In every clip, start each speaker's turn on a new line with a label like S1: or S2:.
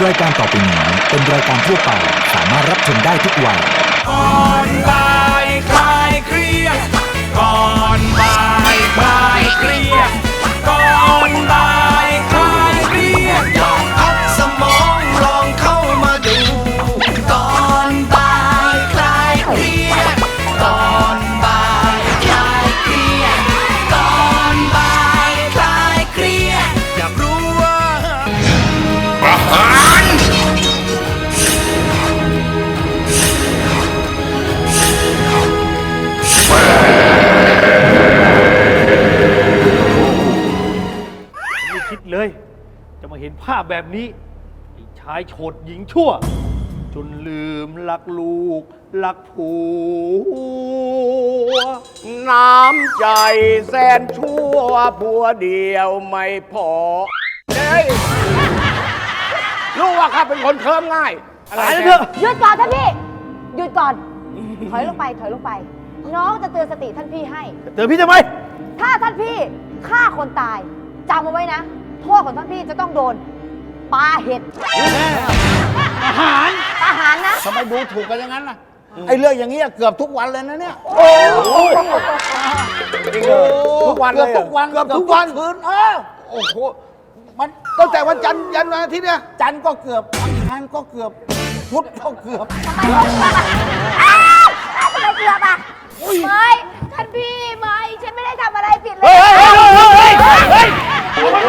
S1: รายการต่อไปนี้เป็นรายการทั่วไปสามารถรับชมได้ทุกวัย
S2: ก่อนบ่ายคลายเครียดก่อนบ่ายคลายเครียดก่อนบ่ายคลายเครียดลองพักสมองลองเข้ามาดูก่อนบ่ายคลายเครียดก่อนบ่ายคลายเครียดก่อนบ่ายคลายเครียดอยากรู้ว่าประหาร
S3: ไม่คิดเลยจะมาเห็นภาพแบบนี้ไอ้ชายโฉดหญิงชั่ว จนลืมรักลูกรักผัว
S4: น้ำใจแสนชั่วผัวเดียวไม่พอเฮ้ยรู้ว่าข้าเป็นคนเคิมง่าย
S3: อะไรเถอะ
S5: หยุดก่อนท่านพี่ หยุดก่อน ถอยลงไป ถอยลงไป น้องจะเตือนสติท่านพี่ให้
S3: เตือนพี่ทำไม
S5: ถ้าท่านพี่ฆ่าคนตายจำเอาไว้นะ โทษของท่านพี่จะต้องโดนปาเห็ด
S3: อาหาร
S5: ประหารนะ
S4: ทำไมดูถูกกันอย่างนั้นล่ะ ไอ้เรื่องอย่างนี้เกือบทุกวันเลยนะเนี่ย ทุกวันเลยทุกวันเกือบทุกวันคืนโอ้โหมันตั้งแต่วันจันทร์ยันวันอาทิตย์เนี่ยจันทร์ก็เกือบอังคารก็เกือบพุธก็เกือบ
S5: อ้าวทำไมเกือบอ่ะไม่ท่านพี่ไม่ฉันไม่ได้ทำอะไรผิดเลย
S3: เฮ้ยลุง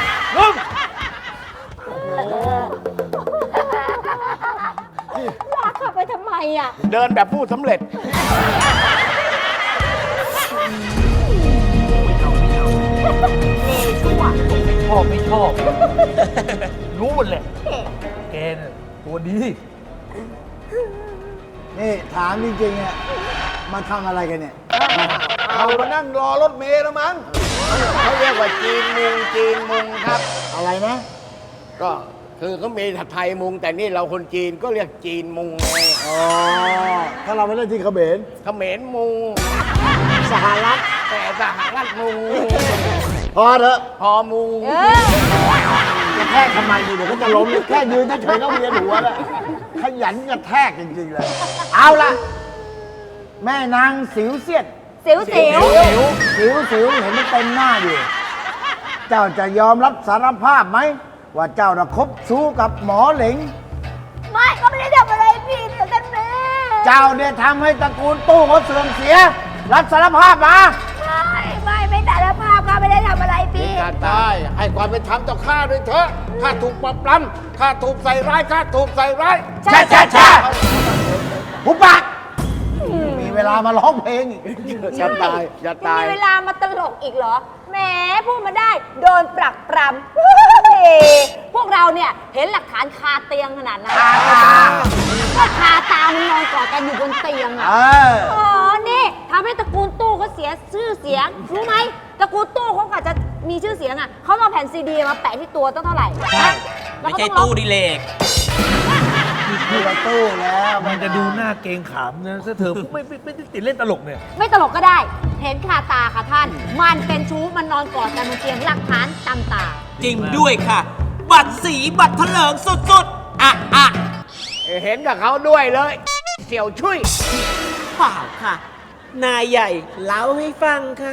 S5: ลากเข้าไปทำไมอ่ะ
S4: เดินแบบผู้สำเร็จ
S3: ไม่ชอบ รู้หมดแหละแกน่ะตัวดี
S6: นี่ถามจริงๆอ่ะมาทำอะไรกันเนี่ย
S4: เอามานั่งรอรถเมล์แล้วมั้งเขาเรียกว่าจีนมุงครับ
S6: อะไรนะ
S4: ก็คือเขามีไทยมุง แต่นี่เราคนจีนก็เรียกจีนมุงไง
S6: อ๋อ ถ้าเราไม่เล่นที่เขมร
S4: เขมรมุงสหรัฐแต่สหรัฐมุง
S6: พอเถอะ
S4: พอมุง
S6: กระแทกทำไมดีเดี๋ยวก็จะล้มแค่ยืนเฉยๆก็เวียนหัวแล้วขยันกระแทกจริงๆเลย เอาล่ะ แม่นางสิวเสียด
S5: สิวสิว
S6: สิวเห็นมันเต็มหน้าอยู่ เจ้าจะยอมรับสารภาพไหม ว่าเจ้าน่ะคบชู้กับหมอเหลง
S5: ไม่ก็ไม่ได้ทำอะไรผิดท่านพี่
S6: เจ้าเนี่ยทำให้ตระกูลตู้เขาเสื่อมเสีย รับสารภาพมา
S5: ไม่สารภาพก็ไม่ได้ทำอะไรผิด
S4: ข้าตายให้ความเป็นธรรมต่อข้าด้วยเถอะข้าถูกปรับปรำข้าถูกใส่ร้ายข้าถูกใส่ร้าย
S5: ใช่
S6: หุบปากมีเวลามาร้องเพลงอีก
S4: อย่าตายอย่า
S5: ยัง
S4: ตาย
S5: มีเวลามาตลกอีกเหรอ แหมพูดมาได้ โดนปรักปรำ พวกเราเนี่ยเห็นหลักฐานคาเตียงขนาดนั้นก็คาตามันนอนกอดกันอยู่บนเตียงอ่ะ อ๋อ นี่ทำให้ตระกูลตู้เขาเสียชื่อเสียง รู้ไหมตระกูลตู้เขากว่าจะมีชื่อเสียงอ่ะเขาเอาแผ่นซีดีมาแปะที่ตัวต้องเท่าไหร่ฮะแล้ว
S2: ไม่
S5: ก็
S2: ใช่
S5: ต้อง
S2: ตู้ดิเลก
S6: มีประตูแล้ว
S3: มันจะดูหน้าเกรงขามนะถ้าเธอไม่ได้ติดเล่นตลกเนี่ย
S5: ไม่ตลกก็ได้ เห็นคาตาค่ะท่าน มันเป็นชู้มันนอนกอดกันบนเตียงหลักฐานตำตา
S2: จริงด้วยค่ะ บัตรสีบัตรเถลิงสุดๆอ่ะ
S4: เห็นกับเขาด้วยเลย เสี่ยวชุย
S2: เปล่าค่ะ นายใหญ่เล่าให้ฟังค่ะ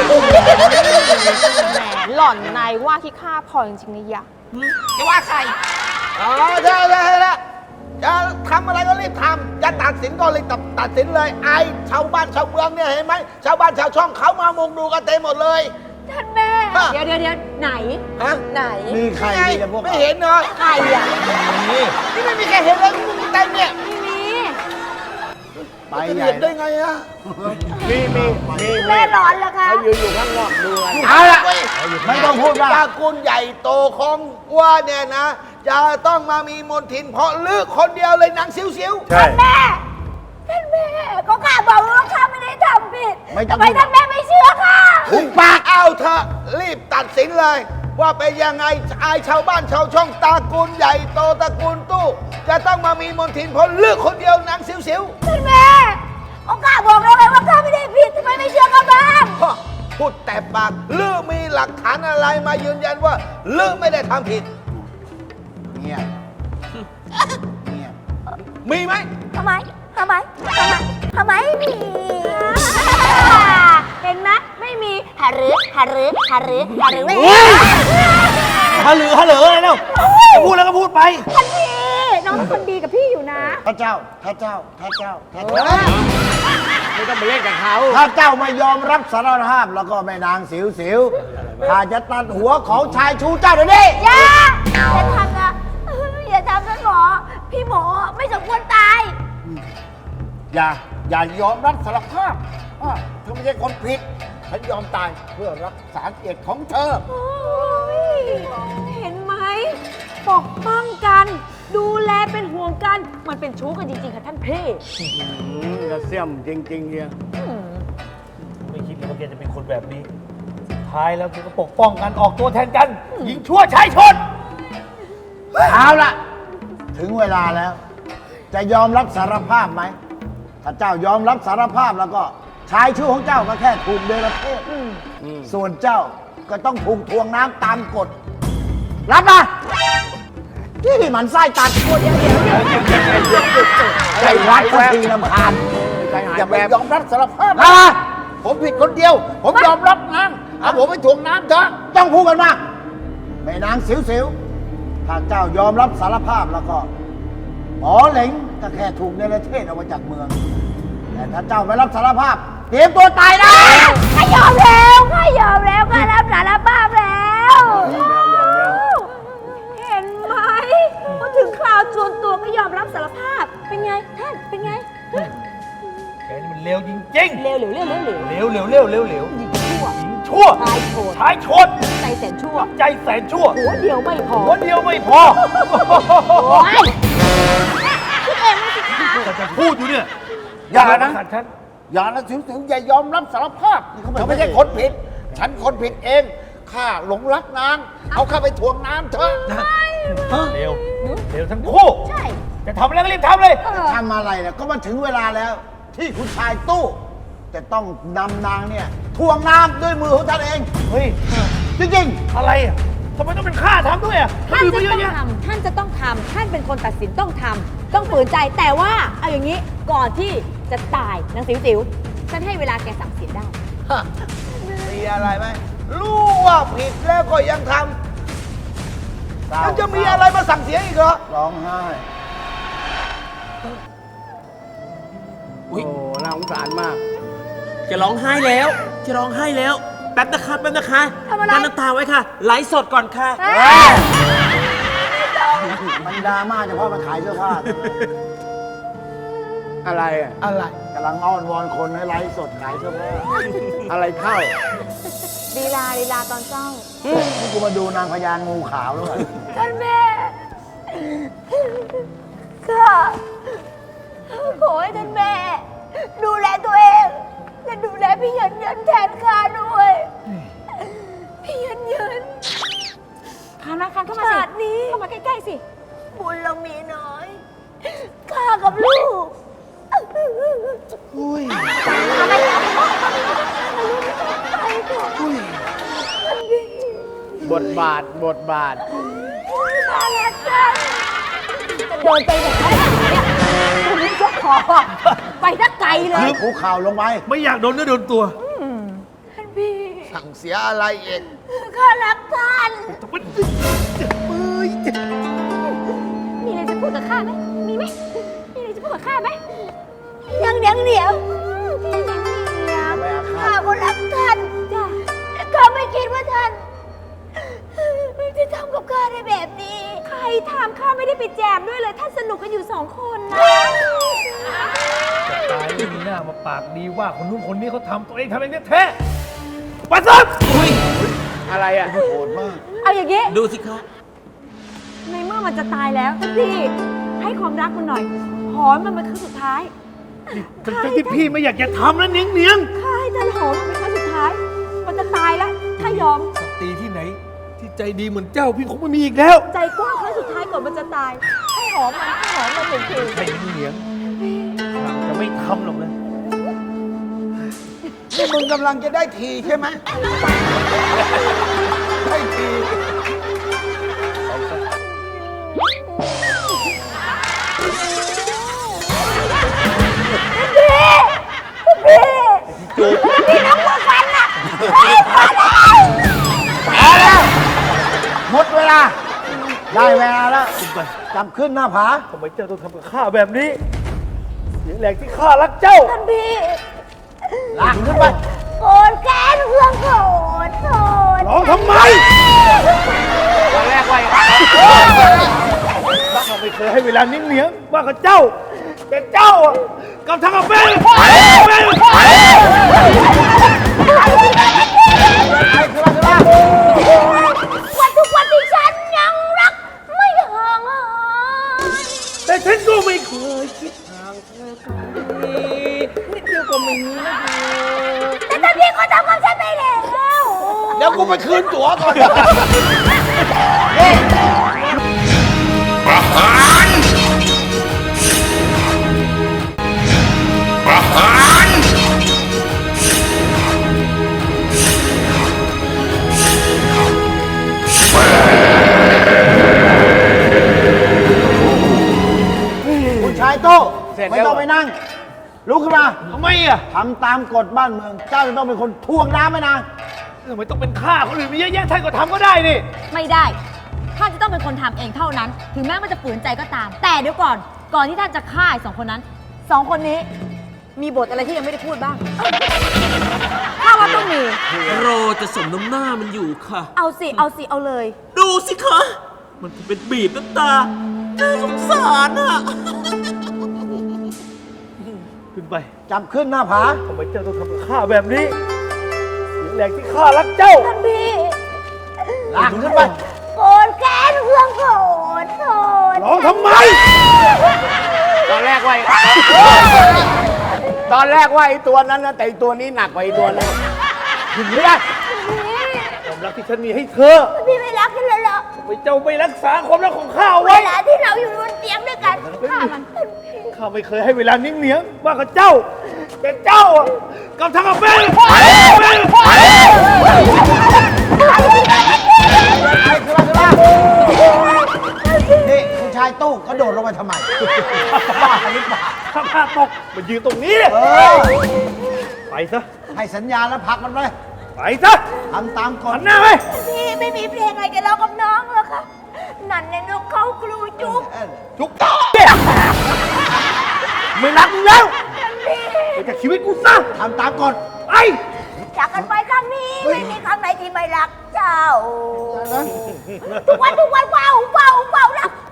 S7: แหมหล่อนนายว่าที่ข้าพอจริงๆนะยะ
S2: จะว่าใคร
S4: อ๋อใช่จะทำอะไรก็รีบทำจะตัดสินก็รีบตัดสินเลยไอ้ชาวบ้านชาวเมืองเนี่ยเห็นไหมชาวบ้านชาวช่องเขามามุงดูกันเต็มหมดเลย
S5: ท่านแม่ เดี๋ยวไหน
S4: ฮะ
S5: ไหน
S6: มีใคร
S4: ไง
S6: มีแต่พวก
S4: ไม่เห็นเหรอ
S5: ใครอ่ะ
S4: นี่ไม่มีใครเห็นเลยมุงเต็มเนี่ย
S5: ไม่มี
S6: ไป
S4: จะ
S6: ใหญ่
S4: เห็นได้ไงอะมี
S5: แม่ร้อนแล้วคะ
S4: เขายืนอยู่ข้างนอกดูกัน
S6: เอาล่ะไม่ต้องพูดว่า
S4: ตระกูลใหญ่โตของว่าเนี่ยนะ จะต้องมามีมนทินเพราะลือคนเดียวเลยนางซิวๆ
S3: ใช่
S5: แม่ ท่านแม่ก็ข้าบอกว่าข้าไม่ได้ทำผิด
S6: ไม่ต้อง
S5: ทำไมท่านแม่ไม่เชื่อข้า
S4: หุบปากเอาเถอะรีบตัดสินเลย ว่าเป็นยังไงไอชาวบ้านชาวช่องตระกูลใหญ่โตตระกูลตู้ จะต้องมามีมนทินเพราะเลือกคนเดียวนางซิว
S5: ท่านแม่ก็ข้าบอกแล้วไงว่าข้าไม่ได้ผิดทำไมไม่เชื่อข้าบ้าง
S4: ๆฮะพูดแต่ปากเลือกมีหลักฐานอะไรมายืนยันว่าเลือกไม่ได้ทำผิด
S6: เงียบ
S4: มีไหม
S5: ทำไมมีเห็นไหมไม่มีหารือเว้ย
S3: ฮัลโหลอะไรเนาะจะพูดแล้วก็พูดไป
S5: ท่านพี่น้องเป็นคนดีกับพี่อยู่นะ
S6: ถ้าเจ้า
S4: ไม่ต้องไปเล่นกับเขา
S6: ถ้าเจ้าไม่ยอมรับสารภาพแล้วก็แม่นางสิวข้าจะตัดหัวของชายชูเจ้าเดี๋ยวนี้
S5: อย่าทำนะอย่าทำท่านหมอ พี่หมอไม่สมควรตาย
S6: อย่ายอมรับสารภาพว่าเธอไม่ใช่คนผิด ฉันยอมตายเพื่อรักษาเกียรติของเธอ
S5: โอ้ยเห็นไหมปกป้องกัน ดูแลเป็นห่วงกัน มันเป็นชู้กันจริงๆค่ะท่านพี่
S4: กระเสี่ยมจริงๆเนี่ย
S3: ไม่คิดเลยว่าแกจะเป็นคนแบบนี้สุดท้ายแล้วแกก็ปกป้องกันออกตัวแทนกัน หญิงชั่วชายชน
S6: เอาละถึงเวลาแล้ว จะยอมรับสารภาพไหม ถ้าเจ้ายอมรับสารภาพแล้วก็ชายชู้ของเจ้าก็แค่ถูกเดรัจฉานส่วนเจ้าก็ต้องถูกทวงน้ำตามกฎ รับนะที่มันไส้ตัดเดี๋ยวใจรักสักทีลำคาญ
S4: อย่าไปยอมรับสารภาพ
S6: นะ
S4: ผมผิดคนเดียว ผมยอมรับน้ำเอาผมไปถ่วงน้ำเถอะ
S6: ต้องพูดกันมาแม่นางสิวถ้าเจ้ายอมรับสารภาพแล้วก็หมอเหลงก็แค่ถูกเนรเทศออกมาจากเมือง แต่ถ้าเจ้าไม่รับสารภาพเตรียมตัวตายนะ
S5: ข้ายอมแล้วข้รับสารภาพแล้ว เห็นไหมพอถึงคราวจวนตัวก็ยอมรับสารภาพ เป็นไงท่าน เป็นไง
S3: แกนี่มันเลวจริงๆ
S5: เร็ว
S3: เลวหญิงชั่ว
S5: ชายโชน
S3: ชายชน
S5: ใจแสนชั่ว
S3: ใจแสนชั่ว
S5: หัวเดียวไม่พอ
S3: หัวเดียวไม่พอ
S5: โอ้ยคิดเองไม่สิคะ
S3: แต่จะพูดอยู่เนี่ย
S4: อย่านะ
S3: ขัดฉัน
S4: อย่านะสิวๆอย่ายอมรับสารภาพเธอไม่ใช่คนผิด ฉันคนผิดเองข้าหลงรักนางเอาข้าไปถ่วงน้ำเถอะ
S3: เร็วทั้งคู่
S5: ใช่
S3: จะทำอะไรก็รีบทำเลย
S6: ทำอะไรเนี่ยก็มาถึงเวลาแล้ว ที่คุณชายตู้ จะต้องนำนางเนี่ยทวงน้ำด้วยมือของท่านเอง
S3: เฮ้ย
S6: จริง
S3: อะไรอ่ะทำไมต้องเป็นข้าทำด้วยอ่ะ
S5: ท่าน
S3: ค
S5: จะ
S3: อื่
S5: ต้อง
S3: เยะแยะ
S5: ทำท่านจะต้องทำท่านเป็นคนตัดสินต้องทำต้องฝืนใจแต่ว่าเอาอย่างนี้ก่อนที่จะตายนางสิวฉันให้เวลาแกสั่งเสียได้
S4: มีอะไรไหมรู้ว่าผิดแล้วก็ยังท
S6: ๆ
S4: ำยังจะมีอะไรมาสั่งเสียอีกเหรอ
S6: ร้องไห้
S4: โอ้น่าสงสารมาก
S8: จะร้องไห้แล้ว จะร้องไห้แล้ว แป๊บนะคะแป๊บนะคะ
S5: ทำอะไร
S8: กั้นน้ำตาไว้ค่ะ ไลฟ์สดก่อนค่ะ
S6: มันดราม่าเฉพาะมันขายเสื้อผ้า
S4: อะไรอ่ะ อะไร
S6: กำลังอ้อนวอนคนให้ไลฟ์สดขายเสื้อผ้า
S4: อะไรเข้า
S5: ลีลาตอนเจ้า
S6: นี่กูมาดูนางพญางูขาวแล้วเหรอ
S5: ท่านแม่ข้าขอให้ท่านแม่ ดูแลตัวเองและดูแลพี่ยันแทนข้าด้วย พี่ยันคานเข้ามาสินี้เข้ามาใกล้ๆสิ บุญเรามีน้อย ข้ากับลูกอุ้ย
S4: บทบาท
S5: ข้ารักกันจะโดนไปไหนเนี่ยคุณนี่ก็ขอไปสักไกลเลย
S6: คุกเข่าลงไป
S3: ไม่อยากโดนเนื้อโดนตัว
S5: ท่านพี่
S4: สั่งเสียอะไรเอง
S5: ข้ารักท่านมีอะไรจะพูดกับข้าไหมมีไหมมีอะไรจะพูดกับข้าไหมยังเดี๋ยวข้าก็รักท่านจ้ะแต่ข้าไม่คิดว่าท่านจะทำกับข้าได้แบบนี้ ใครทำข้าไม่ได้ไปแจมด้วยเลยท่านสนุกกันอยู่2 คนนะ
S3: ตายไม่มีหน้ามาปากดีว่าคนนู้นคนนี้เขาทำตัวเองทำเองแท้ๆปัสสับ
S4: อะไรอ่ะ
S6: โหดมาก
S5: เอาอย่างนี้
S8: ดูสิคะ
S5: ในเมื่อมันจะตายแล้วท่านพี่ให้ความรักมันหน่อยหอมมันเป็นครั้งสุดท้าย
S3: ทั้งที่พี่ไม่อยากจะทำแล้วเนียง
S5: ข้าให้ท่านหอมมันเป็นครั้งสุดท้าย มันจะตายแล้วถ้ายอม
S3: ๆสตรีที่ไหน ที่ใจดีเหมือนเจ้าพี่คงไม่มีอีกแล้ว
S5: ใจกว้างครั้งสุดท้ายก่อนมันจะตาย ให้หอมมันหนึ่งที
S3: ไม่เนียงหลังจะไม่ทำหรอกนะ
S4: ที่มึงกำลังจะได้ทีใช่ไหม ได้ที
S6: หมดเวลา ได้เวลาแล้วจับขึ้นหน้าผา
S3: ทำไมเจ้าต้องทำกับข้าแบบนี้ เสียแรงที่ข้ารักเจ้า
S5: ท่านพี่
S6: ลากขึ้นไป
S5: โกรธแค้นเพื่อนโกรธโกรธ
S3: ร้องทำไม
S4: ตอนแรกว่า
S3: ข้าไม่เคยให้เวลานิ่งเหนียงว่ากับเจ้า แต่เจ้าอ่ะกับทางกับเป็น
S5: วันทุกวันที่ฉันยังรัก ไม่ห่างหาย
S3: แต่ฉันก็ไม่เคย
S5: แต่ท่านพี่ก็ทำกับฉันไปแล้ว
S4: เดี๋ยวกูไปคืนตั๋วก่อน
S2: ประหารประหาร
S6: คุณชายโต้ไม่ต้องไปนั่ง ลุกขึ้นมา
S3: ทำไมอ่ะ
S6: ทำตามกฎบ้านเมือง เจ้าจะต้องเป็นคนทวงน้ำให้นาง
S3: ทำไมต้องเป็นข้าคนอื่นมีเยอะแยะท่านก็ทำก็ได้นี่
S5: ไม่ได้ ท่านจะต้องเป็นคนทำเองเท่านั้น ถึงแม้มันจะฝืนใจก็ตาม แต่เดี๋ยวก่อน ก่อนที่ท่านจะฆ่าไอ้สองคนนั้น สองคนนี้ มีบทอะไรที่ยังไม่ได้พูดบ้าง ถ้าว่าต้องมี
S8: รอจะสมน้ำหน้ามันอยู่ค่ะ
S5: เอาสิ เอาสิ เอาเลย
S8: ดูสิคะ มันคงเป็นบีบน้ำตาน่าสงสารอ่ะ
S3: ขึ้นไป
S6: จับขึ้นหน้าผา
S3: ทำไมเจ้าต้องทำกับข้าแบบนี้ เสียแรงที่ข้ารักเจ้า
S5: ท่านพี่
S6: ลากขึ้นไป
S5: โกรธแค้นเพื่อนโกรธโกรธ
S3: ร้องทำไม
S4: ตอนแรกว่าไอ้ตัวนั้นนะแต่อีตัวนี้หนักกว่าไอ้ตัวนั้น
S3: ถึงไม่ได้ความรักที่ฉันมีให้เธอ
S5: ท่านพี่ไม่รักฉันเลยเหรอ
S3: ทำไมเจ้าไม่รักษาความรักของข้าเอา
S5: เว
S3: ไว้
S5: ลาที่เราอยู่บนเตียงด้วยกันฆ่ามันท่านพี่
S3: ข้าไม่เคยให้เวลานิ่งเหนียงว่ากับเจ้า แต่เจ้าอ่ะกับทางกับเป็น
S6: นี่คุณชายตู้กระโดดลงไปทำไม บ้าหรือเปล่า
S3: ถ้าข้าตกมันยืนตรงนี้เนี่ย
S6: เออ
S3: ไปซะ
S6: ให้สัญญาแล้วผลักมันไป
S3: ไปซะ
S6: ทำตามกฎ
S3: หันหน้าไป
S5: พี่ไม่มีเพลงอะไรจะร้องกับน้องเหรอคะ นั่นในนกเขาครูจุ๊บ
S3: จุกเนี่ยไม่รักมึงแล้วไปจากชีวิตกูซะ
S6: ทำตามกฎ
S3: ไอ้
S5: จากกันไปครั้งนี้ ไม่มีครั้งไหนที่ไม่รักเจ้า ทุกวันว้าวรัก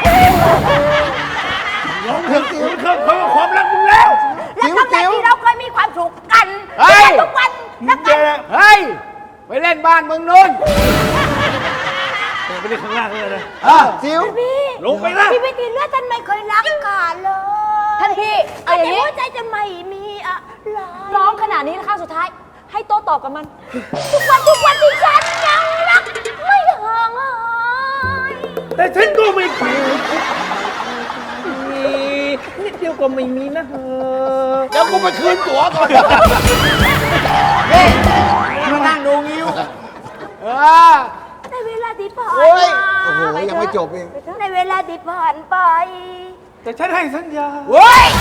S3: ร้องเพลงกูเคยความรักมึงแล้ว
S5: และครั้งไหนที่เราเคยมีความสุขกัน
S4: เฮ้ย
S5: ทุกวันรัก
S3: แก
S5: กัน
S4: เฮ้ย ไปเล่นบ้านมึงนู้น
S3: ไปเล่นข้างล่างเลยนะ
S6: ซิว
S5: พี่
S3: ลงไปนะ
S5: ชีวิตที่เหลือท่านไม่เคยรักกันเลย ท่านพี่เอาอย่างนี้หัวใจจะไม่มีอะไรร้องขนาดนี้นะคะสุดท้าย ให้โต้ตอบกับมัน ทุกวันที่ฉันยังรัก ไม่ห่างหาย
S3: แต่ฉันก็ไม่เคย
S8: นิดเดียวก็ไม่มีนะเธอ
S4: เดี๋ยวกูไปคืนตั๋วก่อน
S6: มานั่งดูงิ้ว
S5: ในเวลาที่ผ่าน
S4: โอ้ย
S5: มา
S4: โอ้โหยังไม่จบอีก
S5: ในเวลาที่ผ่านไป
S3: แต่ฉันให้สัญญา
S4: เฮ้ย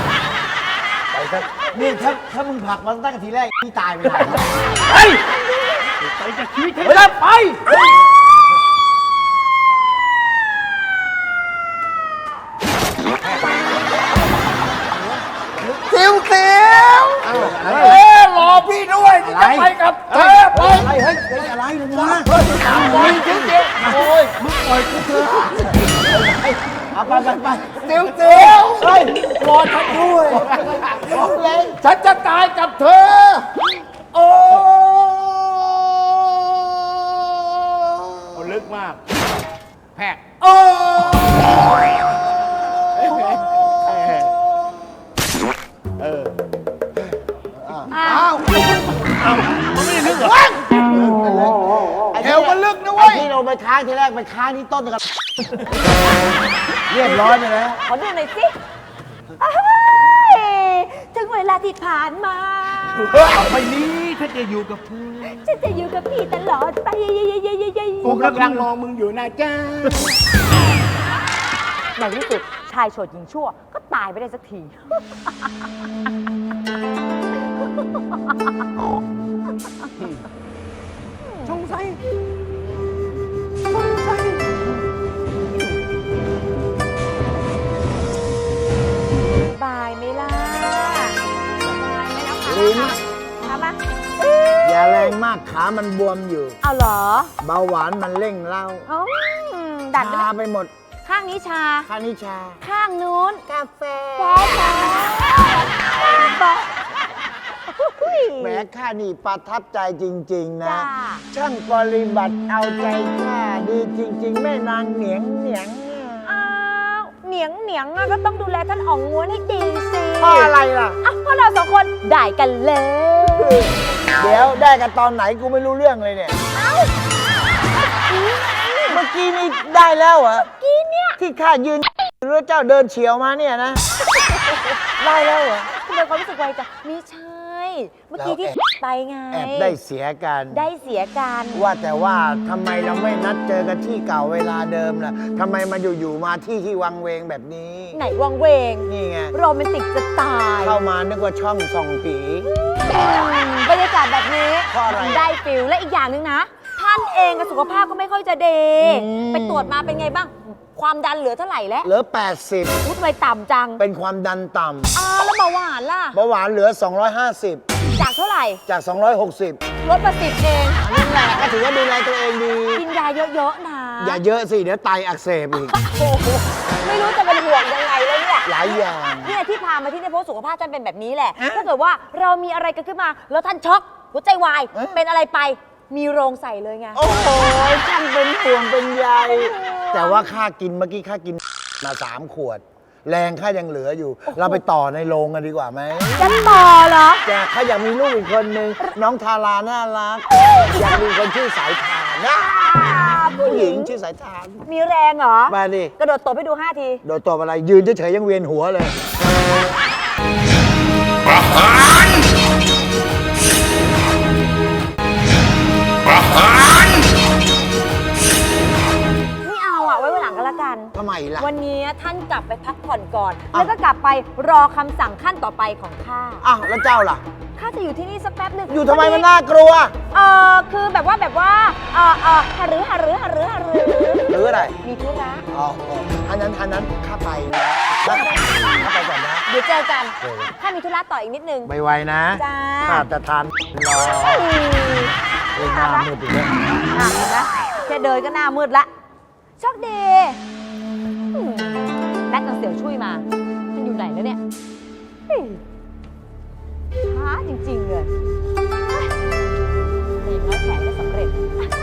S6: นี่ถ้ามึงผลักมันตั้งแต่ทีแรกพี่ตายไปไหน
S3: ไปไปจากชีวิตฉันไป
S4: ซิวรอพี่ด้วยจะไปกับเธอไป
S6: อะไรเฮ้ยเป็นอะไรลงมา
S4: โอ้ยซิวโอ้ย
S6: มึงปล่อยกูเถอะเอาไป
S4: ซิว
S6: เฮ้ยรอฉันด้วย
S4: ฉันจะตายกับเธอ โอ้
S3: ลึกมาก
S4: แพกโอ้
S5: อ้าว
S3: มันไม่ได้ลึกเหรอ
S4: เอวมันลึกนะเว้ย
S6: ที่เราไปค้างทีแรกไปค้างที่ต้นกันเรียบร้อยไปแล้ว
S5: ขอดูหน่อยสิอ้ายถึงเวลาที่ผ่านมา
S3: ต่อไปนี้ถ้าจะอยู่กับเธอ
S5: ฉันจะอยู่กับพี่ตลอดไป
S4: กูกำลังมองมึงอยู่นะจ้า
S5: ในที่สุดชายโฉดหญิงชั่ว ก็ตายไปได้สักที
S4: สงสัย
S6: ากขามันบวมอยู่
S5: เอาเหรอ
S6: เบาหวานมันเร่งเล่า
S5: อืมดัดไป
S6: ชา
S5: แล้ว
S6: ไปหมด
S5: ข้างนี้ชา
S6: ข้านิชา
S5: ข้างนู้น
S6: กาแฟ
S5: บอก
S6: แหมข้านี่ประทับใจจริง ๆ นะ
S5: จ้า
S6: ช่างปฏิบัติเอาใจข้าดีจริง ๆ แม่นางเหนียงเหนียง
S5: อ้าวเหนียงเหนียงอะก็ต้องดูแลท่านอ๋องง้วนให้ดีสิ
S6: เพราะอะไรล่ะ
S5: อ่ะเพราะเราสองคนได้กันเลย
S6: เดี๋ยวได้กันตอนไหนกูไม่รู้เรื่องเลยเนี่ย เมื่อกี้นี่ได้แล้วเหรอ
S5: กี้เนี่ย
S6: ที่ข้ายืนหรือเจ้าเดินเฉียวมาเนี่ยนะ ได้แล้วเหรอ
S5: ทำไมความรู้สึกไวจังไม่ใช่ เมื่อกี้ที่ไปไง
S6: แอบได้เสียกัน
S5: ได้เสียกัน
S6: ว่าแต่ว่าทำไมเราไม่นัดเจอกันที่เก่าเวลาเดิมล่ะทำไมมาอยู่ๆมาที่วังเวงแบบนี้
S5: ไหนวังเวง
S6: นี่ไง
S5: โรแมนติกจะตาย
S6: เข้ามานึกว่าช่องส่องผี
S5: บรรยากาศแบบนี้
S6: เพราะอะไร
S5: มันได้ฟิลและอีกอย่างหนึงนะ ท่านเองกับสุขภาพก็ไม่ค่อยจะดี ไปตรวจมาเป็นไงบ้าง ความดันเหลือเท่าไหร่แล้ว
S6: เหลือ
S5: อุ๊ยทำไมต่ำจัง
S6: 80 เป็นความดันต่
S5: แล้วเบาหวานล่ะ
S6: ำเบาหวานเหลือ 250
S5: จากเท่าไหร่
S6: จาก 260
S5: ลดมา10เอง
S6: นั่นแหละก็ถือว่าดูแลตัวเองดี
S5: กินยาเยอะๆนะ
S6: อย่าเยอะสิ เดี๋ยวไตอักเสบอีก
S5: โอ้โหไม่รู้จะเป็นห่วงยังไงแล้วเนี่ย
S6: หลายอย่าง
S5: เนี่ยที่พามาที่นี่เพราะสุขภาพท่านเป็นแบบนี้แหละ ถ้าเกิดว่าเรามีอะไรกันขึ้นมา แล้วท่านช็อกหัวใจวาย เป็นอะไรไป มีโรงใส่เลยไง
S6: โอ้โหช่างเป็นห่วงเป็นใยแต่ว่าค่ากินเมื่อกี้ค่ากินมา3 ขวด แรงค่ายังเหลืออยู่ เราไปต่อในโรงกันดีกว่าไหม
S5: จะต่อเหรอ
S6: แต่ข้าอยากมีลูกอีกคนนึง น้องทาราน่ารัก อยากมีคนชื่อสายทานนะผู้หญิงชื่อสายทาน
S5: มีแรงเหรอ
S6: มาดิ
S5: กระโดดตบให้ดู 5 ที
S6: โดยตอบอะไร ยืนเฉยๆยังเวียนหัวเลย
S5: ไม่เอาอ่ะ ไว้วันหลังก็แล้วกัน
S6: ทำไมล่ะ
S5: วันนี้ท่านกลับไปพักผ่อนก่อน แล้วก็กลับไปรอคำสั่งขั้นต่อไปของข้า
S6: อ้าวแล้วเจ้าล่ะ
S5: ข้าจะอยู่ที่นี่สักแป๊บหนึ่ง
S6: อยู่ทำไมมันน่ากลัว
S5: คือแบบว่าหารือ
S6: หรืออะไร
S5: มีธุระ
S6: อ๋ออันนั้นข้าไปนะข้าไปก่อนนะ
S5: เดี๋ยวเจอกันข้ามีธุระต่ออีกนิดนึง
S6: ไวๆนะ
S5: จ้า
S6: ข้าจะทานรอเอ้ยหน้ามืดอีกแล้ว
S5: เห็นไหมแค่เดินก็หน้ามืดละโชคดีนัดกับเสี่ยวช่วยมา มันอยู่ไหนแล้วเนี่ยช้าจริงๆเลยเฮ้ยอย่างน้อยแผนก็สำเร็จ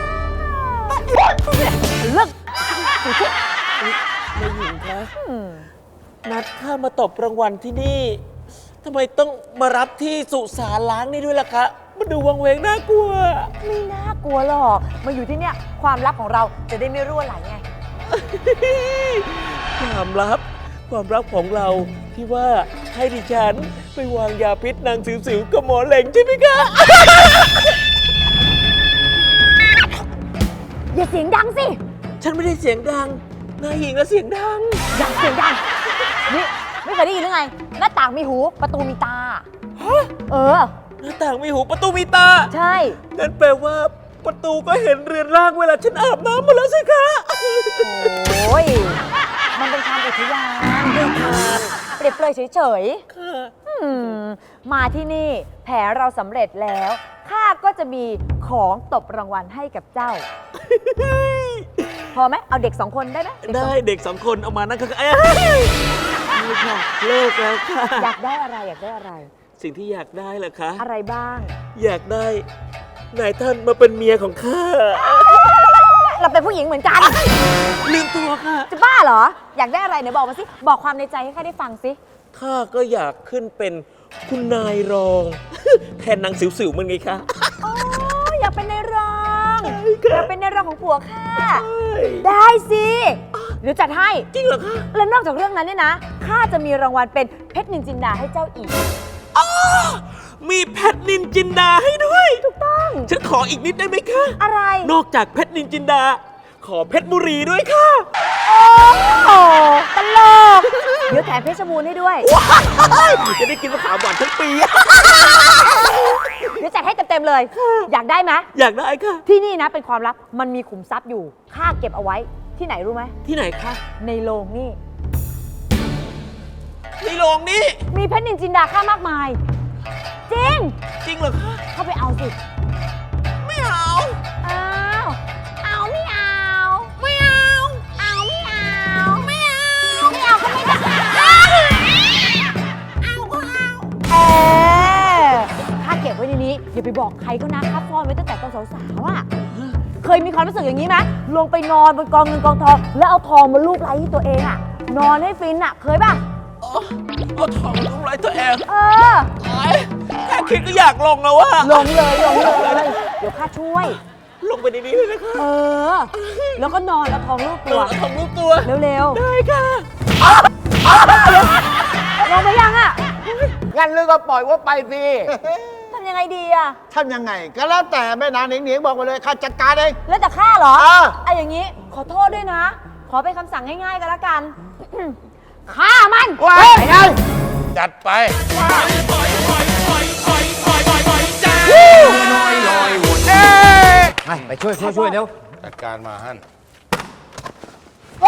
S5: เลิกสุดที่
S8: แม่หญิงคะนัดข้ามาตบรางวัลที่นี่ทำไมต้องมารับที่สุสานล้างนี่ด้วยล่ะคะมันดูวังเวงน่ากลัว
S5: ไม่น่ากลัวหรอกมาอยู่ที่เนี่ยความลับของเราจะได้ไม่รั่วไหลไง
S8: ความลับของเราที่ว่าให้ดิฉันไปวางยาพิษนางสิวๆกับหมอเหล่งใช่ไหมคะ
S5: อย่าเสียงดังสิ
S8: ฉันไม่ได้เสียงดังนายหญิงแล้วเสียงดัง
S5: อย่าเสียงดัง นี่ไม่เคยได้ยินหรือไง หน้าต่างมีหูประตูมีตา เออ
S8: หน้าต่างมีหูประตูมีตา
S5: ใช่
S8: นั่นแปลว่าประตูก็เห็นเรือนร่างเวลาฉันอาบน้ำมาแล้วสิคะ
S5: โอ้ย มันเป็นคำอุทยานเปรียบเปรยเฉย
S8: ค่ะ
S5: ๆมาที่นี่แผนเราสำเร็จแล้ว ข้าก็จะมีของตบรางวัลให้กับเจ้า พอไหมเอาเด็ก2 คนได้ไหมเกสอง
S8: ได้เด็ก2 คนเอามานั่นก็เอ้ยนี่ค่ะเลิกแล้วค่ะ
S5: อยากได้อะไรอยากได้อะไร
S8: สิ่งที่อยากได้เหรอคะ
S5: อะไรบ้าง
S8: อยากได้นายท่านมาเป็นเมียของข้า
S5: เราเป็นผู้หญิงเหมือนกัน
S8: ลืมตัวค่ะ
S5: จะบ้าเหรอ อยากได้อะไรเดี๋ยวบอกมาสิ บอกความในใจให้ข้าได้ฟังสิ
S8: ข้าก็อยากขึ้นเป็นคุณนายรอง แทนนางสิวๆมันไงคะ
S5: อ๋อ อยากเป็นในายรองอยากเป็นในายรองของผัวข้า ได้สิเดี๋ยวจัดให้
S8: จริงเหรอคะ
S5: และนอกจากเรื่องนั้นเนี่ยนะข้าจะมีรางวัลเป็นเพชรนินจินดาให้เจ้าอีก
S8: มีเพชรนินจินดาให้ด้วย
S5: ถูกต้อง
S8: ฉันขออีกนิดได้ไหมคะ
S5: อะไร
S8: นอกจากเพชรนินจินดา ขอเพชรบุรีด้วยค่ะ
S5: โอ้โหตลก เดี๋ยวแถมเพชรบูรณ์ให้ด้วย
S8: จะได้กินมะขามหวานทั้งปี
S5: เดี๋ยวจัดให้เต็มๆเลย อยากได้ไหม
S8: อยากได้ค่ะ
S5: ที่นี่นะเป็นความลับ มันมีขุมทรัพย์อยู่ ข้าเก็บเอาไว้ ที่ไหนรู้ไหม
S8: ที่ไหนคะ
S5: ในโรงนี่
S8: ในโรงนี้
S5: มีเพชรนินจินดาค่ามากมาย จริง
S8: จริงเหรอคะ
S5: เข้าไปเอาสิบอกใครก็นะข้าซ่อนไว้ตั้งแต่ตอนสาวๆอ่ะ เคยมีความรู้สึกอย่างนี้ไหมลงไปนอนบนกองเงินกองทอง แล้วเอาทองมาลูบไล้ที่ตัวเองอ่ะ นอนให้ฟินอ่ะ เคยป่ะ
S8: เอาทองทำร้ายตัวเอง
S5: เออ
S8: แค่คิดก็อยากลงแล้วว่ะ
S5: ลงเลย เดี๋ยวข้าช่วย
S8: ลงไปในนี้เลยนะคะ
S5: เออ แล้วก็นอนเอาทองลูบ
S8: ตั
S5: ตัว ว
S8: ทองรูปตัว
S5: เร็ว
S8: ได้ค่ะ
S5: ๆลงไปยังอ่ะ
S6: งั้นลือก็ปล่อยว่าไปสิ
S5: ทำยังไงดีอ่ะ
S6: ทำยังไง ก็แล้วแต่แม่นางหนิงๆบอกมาเลยข้าจัดการเอง
S5: แล้วแต่ข้าเหรอ
S6: อ่า
S5: ไอ้อย่างนี้ ขอโทษด้วยนะ ขอเป็นคำสั่งง่ายๆกันละกัน ฆ่ามัน
S6: ว้ายไง
S2: จัดไป
S1: ไปช่วยเร็ว
S2: จัดการมาฮั่น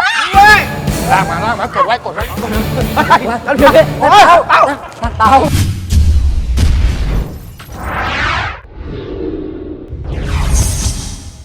S2: ลากมากดไว้
S1: เต่า